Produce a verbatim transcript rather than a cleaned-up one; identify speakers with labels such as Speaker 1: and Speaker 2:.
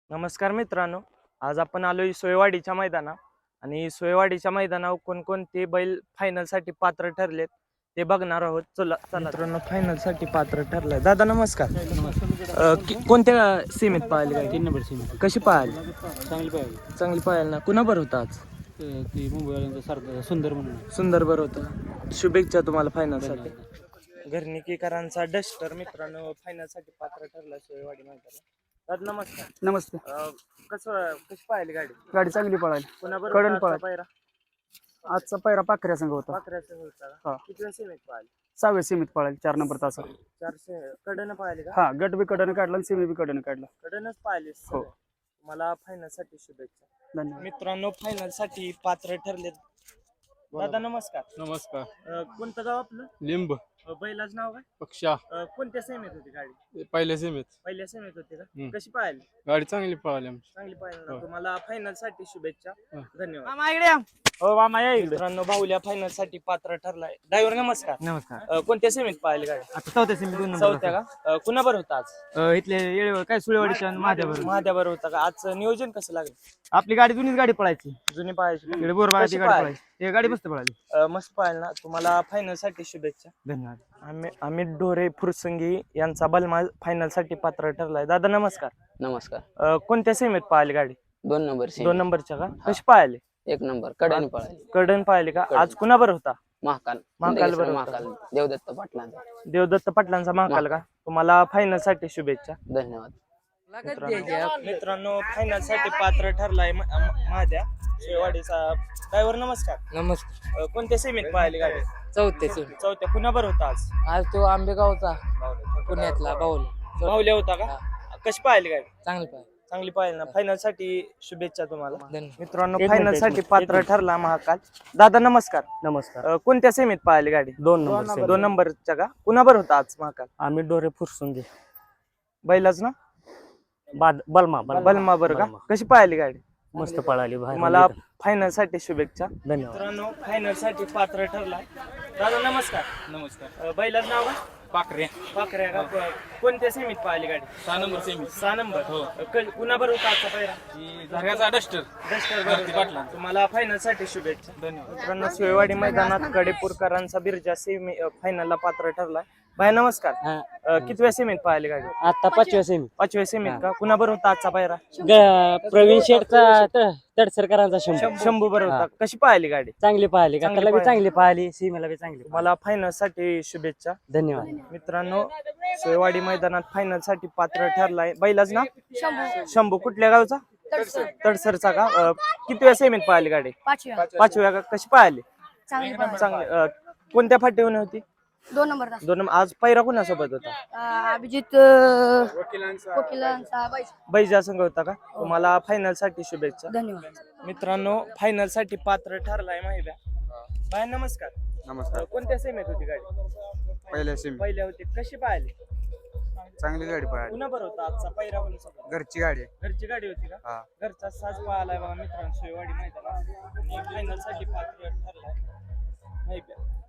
Speaker 1: नमस्कार मित्रांनो, आज आपण आलोय सोयवाडीच्या मैदानात आणि सोयवाडीच्या मैदानावर कोणकोणते बैल फायनलसाठी पात्र ठरलेत ते बघणार आहोत. चला चला मित्रांनो, फायनलसाठी पात्र ठरलाय. दादा नमस्कार. अ, कि- कोणत्या सीमेत पाहिली काय?
Speaker 2: तीन नंबर सीम
Speaker 1: कशी पाहिली?
Speaker 2: चांगली पाहिजे.
Speaker 1: चांगली पाहिली ना. कुणा बरं होता आज?
Speaker 2: ती मुंबईवाल्यांचा सारखं सुंदर म्हणून
Speaker 1: सुंदर बरं होतं. शुभेच्छा तुम्हाला फायनलसाठी. घरणीकरांचा डस्टर मित्रांनो फायनलसाठी पात्र ठरला सोयवाडी मैदानात. दादा नमस्कार.
Speaker 3: नमस्ते.
Speaker 1: अ, कसं कशी पाहिली गाडी?
Speaker 3: गाडी चांगली पळाली.
Speaker 1: कुणाबरोबर
Speaker 3: कडन
Speaker 1: आजचा
Speaker 3: पळाली.
Speaker 1: पायरा?
Speaker 3: आजचा पैरा पाखऱ्या संघ होता.
Speaker 1: पाकऱ्याचा होता का?
Speaker 3: हा.
Speaker 1: कितव्या सीमेत पाहिली?
Speaker 3: सहाव्या सीमित पळाली चार नंबर तासा.
Speaker 1: चारशे कडनं पाहिली का?
Speaker 3: हा, गट बी कडनं काढला आणि सीमी बी कडनं काढला.
Speaker 1: कडनच पाहिली.
Speaker 3: हो.
Speaker 1: मला फायनल साठी शुभेच्छा.
Speaker 3: धन्यवाद.
Speaker 1: मित्रांनो फायनल साठी पात्र ठरले. दादा नमस्कार.
Speaker 2: नमस्कार.
Speaker 1: अ, कोणतं गाव आपलं?
Speaker 2: लिंब
Speaker 1: अ, बैलाच नाव काय?
Speaker 2: पक्षा
Speaker 1: अ, कोणत्या सेमेत होती गाडी?
Speaker 2: पहिल्या सीमेत
Speaker 1: पहिल्या सेमेत होती का?
Speaker 2: हम्म.
Speaker 1: कशी पाहिली?
Speaker 2: गाडी चांगली पळाली आमची.
Speaker 1: चांगली पाहिली ना.
Speaker 2: हो.
Speaker 1: तुम्हाला फायनल साठी शुभेच्छा.
Speaker 2: हो.
Speaker 1: धन्यवाद. हो मामा या इकडे. मित्रांनो बाहुल्या फायनल साठी पात्र ठरलाय. ड्रायव्हर नमस्कार.
Speaker 4: नमस्कार.
Speaker 1: अ, कोणत्या सेमीत पाहिली गाडी?
Speaker 4: आता चौथ्या सेमी दोन नंबर
Speaker 1: चौथ्या का? अ, कुणाबर होता आज?
Speaker 4: अ, इथले येळेवर काय सुळेवाडीच्या आणि महादेवावर
Speaker 1: महाद्यावर होता का? आजचं नियोजन कसं लागलं?
Speaker 4: आपली गाडी जुनीच गाडी पळायची
Speaker 1: जुनी पाहायची.
Speaker 4: इकडे बोरबागाची
Speaker 1: कशी
Speaker 4: गाडी
Speaker 1: पाहिली?
Speaker 4: पळायची ते गाडी मस्त पळाली.
Speaker 1: अ, मस्त पाहिलं ना. तुम्हाला फायनल साठी शुभेच्छा.
Speaker 4: धन्यवाद.
Speaker 1: आम्ही अमित ढोरे फुरसंगी यांचा बलमा फायनल साठी पात्र ठरलाय. दादा नमस्कार.
Speaker 5: नमस्कार.
Speaker 1: अ, कोणत्या सेमीत पाहिली गाडी?
Speaker 5: दोन नंबर सीम
Speaker 1: दोन नंबरच्या का? कशी पाहिली?
Speaker 5: एक नंबर कड्याने पळाली.
Speaker 1: कडन पाहिली का? आज कुणाबर होता?
Speaker 5: महाकाल
Speaker 1: महाकाल बरोबर.
Speaker 5: महाकाल देवदत्त पाटलांचा.
Speaker 1: देवदत्त पाटलांचा महाकाल का? तुम्हाला फायनल साठी शुभेच्छा.
Speaker 5: धन्यवाद.
Speaker 1: मित्रांनो मित्रांनो, फायनल साठी पात्र ठरलाय म- म- महाद्या शेवाडीचा. ड्रायव्हर नमस्कार.
Speaker 6: नमस्कार.
Speaker 1: अ, कोणत्या सेमीत पाहिली गाडी?
Speaker 6: चौथे सीम
Speaker 1: चौथ्या. कुणाबर होता आज?
Speaker 6: आज तो आंबेगावचा पुण्यातला बाऊल
Speaker 1: बाहुल्या होता का? कशी पाहिली गाडी?
Speaker 6: चांगली पाय
Speaker 1: चांगली पाहिली ना. फायनल साठी शुभेच्छा तुम्हाला.
Speaker 6: धन्यवाद.
Speaker 1: मित्रांनो
Speaker 3: एक
Speaker 1: फायनल
Speaker 3: मिनिट, एक
Speaker 1: साठी
Speaker 3: मिनिट,
Speaker 1: पात्र
Speaker 3: एक
Speaker 1: ठरला महाकाल. दादा नमस्कार.
Speaker 3: नमस्कार.
Speaker 1: अ, कोणत्या सेमीत पाहिली गाडी?
Speaker 3: दोन नंबर सेमी.
Speaker 1: दोन नंबरच्या का? कुणाबर होता आज महाकाल?
Speaker 3: आम्ही डोरे फुरसुंगे
Speaker 1: बैलाच ना?
Speaker 3: बाद बलमा
Speaker 1: बलमा बर का? कशी पाहिली गाडी?
Speaker 3: मस्त पळाली बाहेर.
Speaker 1: मला फायनल साठी शुभेच्छा.
Speaker 3: धन्यवाद.
Speaker 1: मित्रांनो फायनल साठी पात्र ठरला. दादा नमस्कार.
Speaker 2: नमस्कार.
Speaker 1: अ, बैलाच नाव काय?
Speaker 2: पाखरे
Speaker 1: पाखऱ्या का? को- कोणत्या सेमीत पाहिली गाडी?
Speaker 2: सहा नंबर सेमी
Speaker 1: सहा नंबर. अ, क- कुणाबर होता आजचा पहिला?
Speaker 2: धाग्याचा डस्टर.
Speaker 1: डस्टर
Speaker 2: भारती पाटलां.
Speaker 1: तुम्हाला फायनल साठी शुभेच्छा.
Speaker 2: धन्यवाद.
Speaker 1: मित्रांनो सोयवाडी मैदानात कडेपूरकरांचा बिरजा सेमी फायनलला पात्र ठरलाय. भाई नमस्कार. अ, कितव्या सेमीत पाहिली गाडी?
Speaker 4: आता पाचव्या सेमी
Speaker 1: पाचव्या सेमीत का? कुणाबर होता आजचा पायरा?
Speaker 4: प्रवीण शेठचा तडसरकरांचा शंभू
Speaker 1: शंभू बरोबर होता. कशी पाहिली गाडी?
Speaker 4: चांगली पाहिली.
Speaker 1: चांगली
Speaker 4: काकाला बी
Speaker 1: पाहिली.
Speaker 4: चांगली पाहिली. सीमेला बी चांगली पाहिली.
Speaker 1: मला फायनल साठी शुभेच्छा.
Speaker 4: धन्यवाद.
Speaker 1: मित्रांनो सोयवाडी मैदानात फायनल साठी पात्र ठरलाय. बैलाच ना? शंभू. कुठल्या गावचा? तडसरचा का? अ, कितव्या सेमीत पाहिली गाडी?
Speaker 7: पाचव्या
Speaker 1: पाचव्या का? कशी पाहिली?
Speaker 7: चांगली पाहिली.
Speaker 1: चांगली. अ, कोणत्या फाटीवर होती?
Speaker 7: दोन नंबर तास.
Speaker 1: दोन. आज पैरा कुणासोबत होता?
Speaker 7: अं, अभिजित अं, वकिलांचा बाईस.
Speaker 1: बैजा संघ होता का? तुम्हाला फायनल साठी शुभेच्छा.
Speaker 7: धन्यवाद.
Speaker 1: मित्रांनो फायनल साठी पात्र ठरलाय माहिती. बाय नमस्कार.
Speaker 2: नमस्कार.
Speaker 1: अ, कोणत्या सेमीत होती गाडी?
Speaker 2: पहिल्या सीम
Speaker 1: पहिल्या होती. कशी पाहिली?
Speaker 2: चांगली गाडी पळाली.
Speaker 1: कुणा बरं होता आजचा पैरा कोणासोबत?
Speaker 2: घरची गाडी आहे.
Speaker 1: घरची गाडी होती का?
Speaker 2: हा.
Speaker 1: घरचा साज पाहिलाय बघा मित्रांनो सोयवाडी मैदानात. फायनल साठी पात्र ठरलाय माहिती.